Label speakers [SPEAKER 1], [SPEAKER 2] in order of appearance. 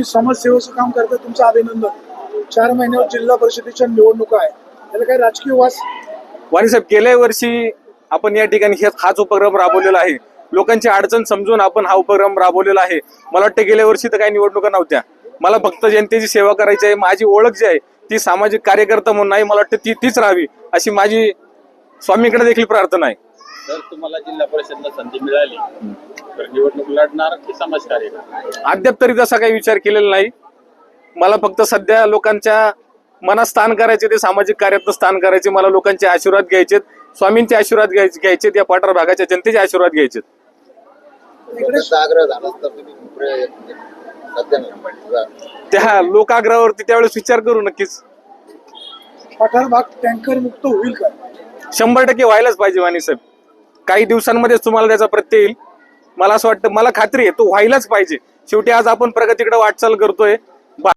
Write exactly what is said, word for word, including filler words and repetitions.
[SPEAKER 1] समाजसेवेचं काम करता, तुमचं अभिनंदन. चार महिन्यावर जिल्हा परिषदेच्या निवडणुका आहे, त्याला काही राजकीय वास?
[SPEAKER 2] वाणी साहेब, गेल्या वर्षी आपण या ठिकाणी हे- हाच उपक्रम राबवलेला आहे. लोकांची अडचण समजून आपण हा उपक्रम राबवलेला आहे. मला वाटतं गेल्या वर्षी तर काही निवडणुका नव्हत्या. मला फक्त जनतेची सेवा करायची आहे. माझी ओळख जी आहे ती सामाजिक कार्यकर्ता म्हणून नाही, मला वाटतं ती तीच राहावी अशी माझी स्वामीकडे देखील प्रार्थना आहे.
[SPEAKER 3] जर तुम्हाला जिल्हा परिषदला संधी मिळाली तर निवडणूक लढणार की समाजकार्य करणार?
[SPEAKER 2] अद्याप तरी तसा काही विचार केलेला नाही. मला फक्त सध्या लोकांच्या मनात स्थान करायचे, ते सामाजिक कार्यात स्थान करायचे. मला लोकांचे आशीर्वाद घ्यायचेत, स्वामींचे आशीर्वाद घ्यायचे घ्यायचेत या पाठार भागाच्या जनतेचे आशीर्वाद घ्यायचेत.
[SPEAKER 4] आग्रह झाला तर तुम्ही सध्या
[SPEAKER 2] त्या लोकाग्रहावरती त्यावेळेस विचार करू नक्कीच.
[SPEAKER 1] पठार भाग टँकर मुक्त होईल का?
[SPEAKER 2] शंभर टक्के व्हायलाच पाहिजे वाणी साहेब. काही दिवसांमध्येच तुम्हाला त्याचा प्रत्यय येईल. मला असं वाटतं, मला खात्री आहे तो व्हायलाच पाहिजे. शेवटी आज आपण प्रगतीकडे वाटचाल करतोय.